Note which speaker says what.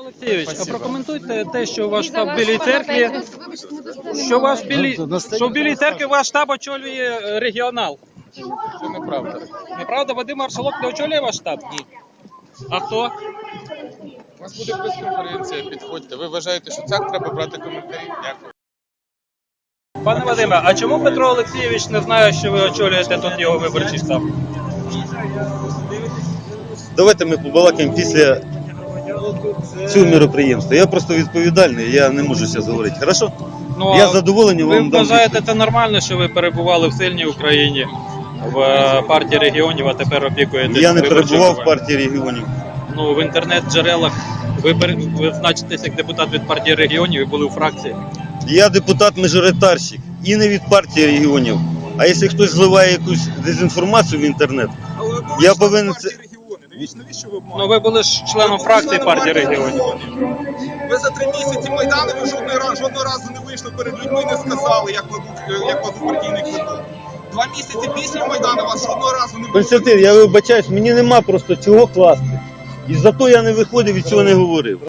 Speaker 1: Олексійович, а прокоментуйте те, що ваш штаб в Білій церкві, що в Білій церкві ваш штаб очолює регіонал.
Speaker 2: Це неправда.
Speaker 1: Неправда, Вадим Маршалок не очолює ваш штаб? Ні. А хто?
Speaker 2: У вас буде прес-конференція, підходьте. Ви вважаєте, що так треба брати коментарі? Дякую.
Speaker 1: Пане Вадиме, а чому Петро Олексійович не знає, що ви очолюєте тут його виборчий штаб?
Speaker 3: Давайте ми побалакаємо після цього мероприємства. Я просто відповідальний, я не можу зараз говорити. Хорошо?
Speaker 1: Ну,
Speaker 3: Я задоволений
Speaker 1: ви
Speaker 3: вам дам.
Speaker 1: вважаєте це нормально, що ви перебували в сильній Україні, в партії регіонів, а тепер опікуєтесь?
Speaker 3: Я не
Speaker 1: виборчим
Speaker 3: перебував в
Speaker 1: округом?
Speaker 3: партії регіонів.
Speaker 1: Ну, в інтернет-джерелах ви значитесь як депутат від партії регіонів і були у фракції.
Speaker 3: Я депутат-мажоритарщик і не від партії регіонів. А якщо хтось зливає якусь дезінформацію в інтернет, я повинен це...
Speaker 4: Навіщо ви
Speaker 1: Ну, ви були ж членом фракції партії регіонів.
Speaker 4: Ви за 3 місяці Майдану ви жодного разу не вийшли перед людьми і не сказали, як кладуть партійний квиток. 2 місяці після Майдану вас жодного разу не було.
Speaker 3: Константин, я вибачаюсь, мені нема просто чого класти. І зато я не виходив і цього не говорив.